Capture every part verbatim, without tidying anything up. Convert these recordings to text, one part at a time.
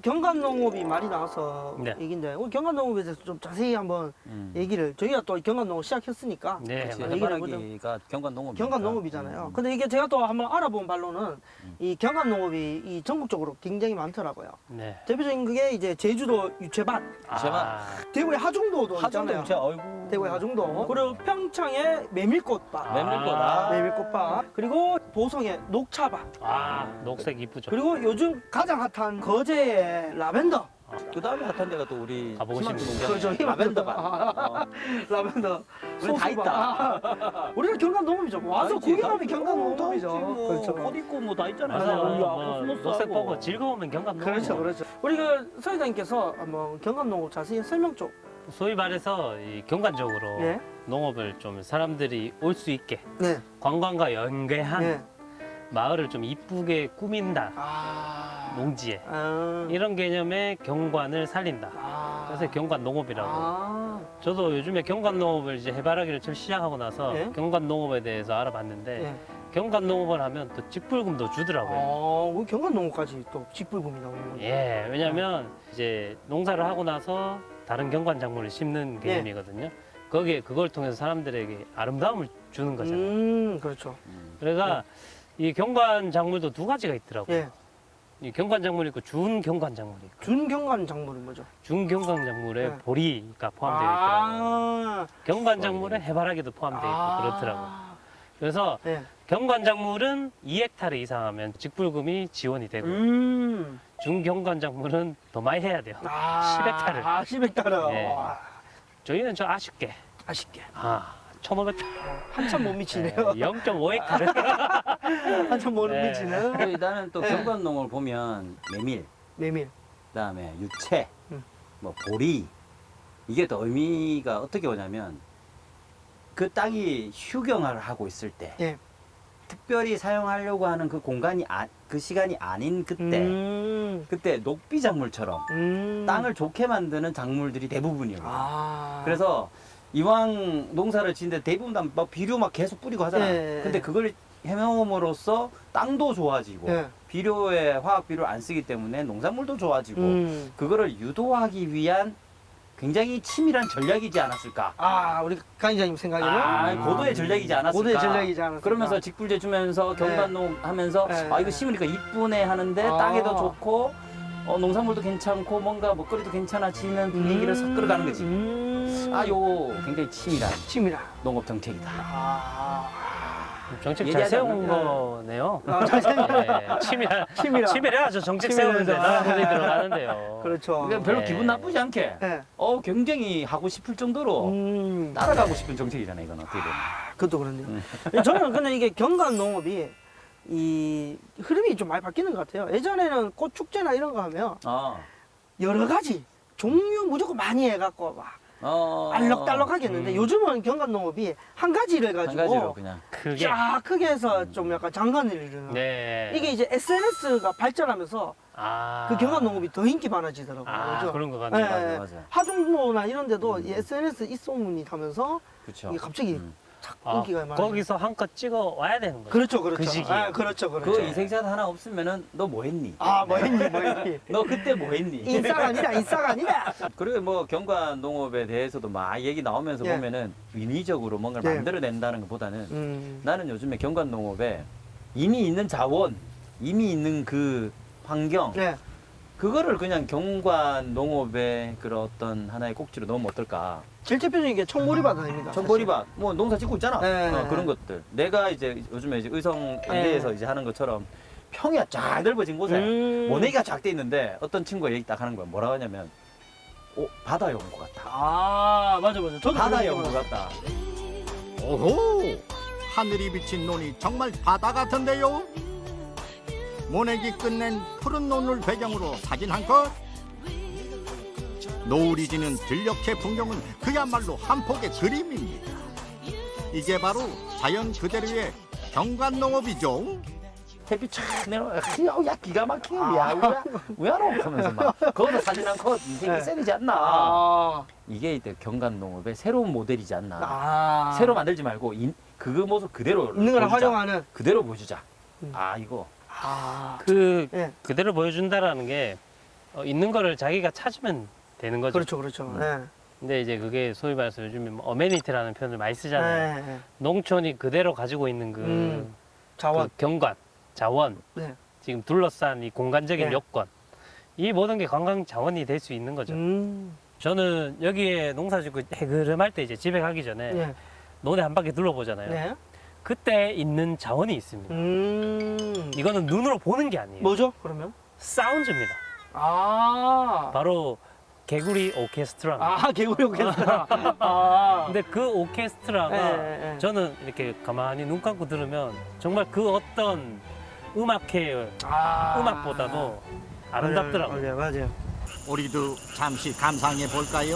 경관농업이 말이 나와서 네. 얘기인데 우리 경관농업에 대해서 좀 자세히 한번 음. 얘기를 저희가 또 경관농업 시작했으니까 네, 그렇지, 맞아요. 얘기를 해보죠. 해바라기가 경관농업. 경관농업이잖아요. 음. 근데 이게 제가 또 한번 알아본 바로는 음. 이 경관농업이 이 전국적으로 굉장히 많더라고요. 네. 대표적인 그게 이제 제주도 유채밭, 제발. 대구의 하중도도 하중도 있잖아요. 유채, 어이구. 대구의 하중도, 그리고 평창의 메밀꽃밭, 메밀꽃. 아. 메밀꽃밭, 그리고 보성의 녹차밭, 아, 녹색 이쁘죠. 그리고 요즘 가장 핫한 거제의 라벤더. 그 다음에 핫한 데가 또 우리 가보고 희망 싶네요. 농장. 그렇죠. 라벤더밭. 어. 라벤더. 우리 다 있다. 아, 우리가 경관농업이죠. 와서 다 있지, 구경하면 다 있지. 경관농업이죠. 어, 다 있지, 뭐. 그렇죠. 꽃 있고 뭐 다 있잖아요. 맞아요. 맞아요. 뭐, 녹색 보고 즐거우면 경관 농업. 그렇죠, 그렇죠. 우리 그 서회장님께서 한번 경관농업 자세히 설명 좀. 소위 말해서 이 경관적으로 네. 농업을 좀 사람들이 올 수 있게 네. 관광과 연계한 네. 마을을 좀 이쁘게 꾸민다. 아. 농지에 아. 이런 개념의 경관을 살린다. 아. 그래서 경관 농업이라고. 아. 저도 요즘에 경관 농업을 이제 해바라기를 처음 시작하고 나서 네. 경관 농업에 대해서 알아봤는데 네. 경관 농업을 하면 또 직불금도 주더라고요. 어, 우리 경관농업까지 또 직불금이 나오는 거예요. 예, 왜냐면 이제 농사를 하고 나서 다른 경관 작물을 심는 네. 개념이거든요. 거기에 그걸 통해서 사람들에게 아름다움을 주는 거잖아요. 음, 그렇죠. 음. 그래서 이 경관 작물도 두 가지가 있더라고요. 예. 이 경관 작물이 있고 준 경관 작물이 있고 준경관 작물은 뭐죠? 준 경관 작물에 네. 보리가 포함되어 있더라고요. 아. 경관 작물에 해바라기도 포함되어 있고 아. 그렇더라고요. 그래서 네. 경관 작물은 이 헥타르 이상하면 직불금이 지원이 되고 음. 중경관 작물은 더 많이 해야 돼요. 아. 십 헥타르. 아, 십 헥타르. 네. 와, 저희는 좀 아쉽게 아쉽게. 아 천오백 한참 못 미치네요. 영 점 오 헥타르. 한참 못 네. 미치는. 그리고 나는 또 네. 경관농업을 보면 메밀, 메밀. 그다음에 유채, 음. 뭐 보리, 이게 또 의미가 어떻게 오냐면 그 땅이 휴경을 하고 있을 때 예. 특별히 사용하려고 하는 그 공간이 아, 그 시간이 아닌 그때 음. 그때 녹비 작물처럼 음. 땅을 좋게 만드는 작물들이 대부분이에요. 아. 그래서 이왕 농사를 짓는데 대부분 다 막 비료 막 계속 뿌리고 하잖아. 예. 근데 그걸 해명함으로써 땅도 좋아지고 예. 비료에 화학 비료를 안 쓰기 때문에 농작물도 좋아지고 음. 그거를 유도하기 위한 굉장히 치밀한 전략이지 않았을까? 아, 우리 강의자님 생각에는 아, 고도의 전략이지 않았을까? 고도의 전략이지 않았을까? 그러면서 직불제 주면서 경관농 하면서 네. 아 이거 심으니까 이쁘네 하는데 아. 땅에도 좋고 어, 농산물도 괜찮고 뭔가 먹거리도 괜찮아지는 분위기를 섞 끌어가는 거지. 음. 아, 요 굉장히 치밀한 치밀하. 농업 정책이다. 아. 정책 잘 얘기하지 세운 않는 거네요. 아, 잘 생각. 예, 치밀한 치밀하. 치밀해야죠. 정책 치밀해서. 세우는데 나라 돈이 들어가는데요. 그렇죠. 그러니까 별로 네. 기분 나쁘지 않게 예. 어 굉장히 하고 싶을 정도로 음. 따라가고 싶은 정책이잖아요. 이건 어떻게 보면. 그것도 그렇네요. 음. 저는 근데 이게 경관 농업이 이 흐름이 좀 많이 바뀌는 것 같아요. 예전에는 꽃 축제나 이런 거 하면 아, 여러 가지 종류 무조건 많이 해갖고 막 어, 알록달록하게 했는데 음. 요즘은 경관 농업이 한 가지를 한 가지고 가지로 그냥. 크게. 쫙 크게 해서 좀 약간 장관을 이루는. 네. 이게 이제 에스엔에스가 발전하면서 아. 그 경관 농업이 더 인기 많아지더라고요. 아, 그죠? 그런 것 같네요. 예, 맞아, 예. 맞아. 하중도나 이런 데도 음. 이 에스엔에스 입소문이 가면서 그렇죠. 이게 갑자기 음. 착 아, 인기가 많아. 거기서 한껏 찍어 와야 되는 거죠. 그렇죠, 그렇죠. 그 시기에. 아, 그렇죠, 그렇죠. 그 인생샷 하나 없으면은 너 뭐 했니? 아, 뭐 했니, 뭐 했니. 너 그때 뭐 했니? 인싸가 아니다, 인싸가 아니다. 그리고 뭐 경관 농업에 대해서도 막 얘기 나오면서 예. 보면은 인위적으로 뭔가를 예. 만들어낸다는 것보다는 음. 나는 요즘에 경관 농업에 이미 있는 자원, 이미 있는 그 환경, 네. 그거를 그냥 경관 농업의 그런 어떤 하나의 꼭지로 넣으면 어떨까? 제일 대표적인 게 청보리밭 아닙니까? 청보리밭, 뭐 농사 짓고 있잖아. 네. 어, 그런 것들. 내가 이제 요즘에 이제 의성 안대에서 네. 이제 하는 것처럼 평야 쫙 넓어진 곳에 음. 모내기가 쫙 돼 있는데 어떤 친구가 얘기 딱 하는 거야. 뭐라고 하냐면, 오, 바다 연구 같다. 아, 맞아, 맞아. 저도 바다 그런 연구 거 같다. 오호! 하늘이 비친 논이 정말 바다 같은데요? 모내기 끝낸 푸른 논을 배경으로 사진 한 컷. 노을이 지는 들녘의 풍경은 그야말로 한 폭의 그림입니다. 이게 바로 자연 그대로의 경관농업이죠. 햇빛 촥 내려와. 야, 야, 기가 막혀. 야, 우야, 우야로 하면서 막. 거기서 사진 한 컷 인생이 네. 세리지 않나. 아. 이게 이제 경관 농업의 새로운 모델이지 않나. 아. 새로 만들지 말고 인, 그 모습 그대로 있는 걸 보여주자. 활용하는. 그대로 보여주자. 음. 아, 이거. 아. 그 예. 그대로 보여준다라는 게 어, 있는 거를 자기가 찾으면 되는 거죠. 그렇죠, 그렇죠. 음. 네. 근데 이제 그게 소위 말해서 요즘에 뭐 어메니티라는 표현을 많이 쓰잖아요. 네, 네. 농촌이 그대로 가지고 있는 그, 음, 자원. 그 경관, 자원, 네. 지금 둘러싼 이 공간적인 네. 요건, 이 모든 게 관광 자원이 될 수 있는 거죠. 음, 저는 여기에 농사짓고 해그름할 때 이제 집에 가기 전에 네. 논에 한 바퀴 둘러보잖아요. 네. 그때 있는 자원이 있습니다. 음, 이거는 눈으로 보는 게 아니에요. 뭐죠? 그러면? 사운드입니다. 아, 바로 개구리 오케스트라입니다. 아, 개구리 오케스트라. 아, 근데 그 오케스트라가 네, 네, 네. 저는 이렇게 가만히 눈 감고 들으면 정말 그 어떤 음악회 아, 음악보다도 아름답더라고요. 맞아요, 맞아요. 우리도 잠시 감상해 볼까요?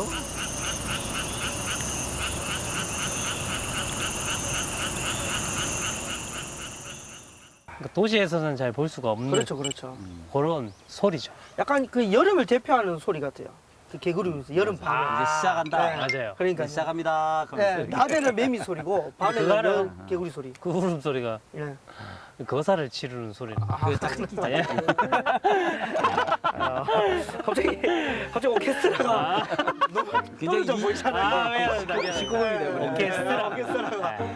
그러니까 도시에서는 잘 볼 수가 없는 그렇죠, 그렇죠. 그런 소리죠. 약간 그 여름을 대표하는 소리 같아요. 그 개구리면서 여름 밤에. 아, 이제 시작한다. 네. 맞아요. 그러니까 이제 시작합니다. 네, 그러면서 낮에는 매미 소리고 밤에는 그거는- 여- 개구리 소리. 그 울음소리가 예. 거사를 치르는 소리입니다. 아, 그 딱- 예. 아, 갑자기 갑자기 오케스트라가 굉장히 떨어져 이- 보이잖아요. 아, 미안합니다. 미안합니다. 시끄러움이 돼버렸네. 오케스트라. 오케스트라가.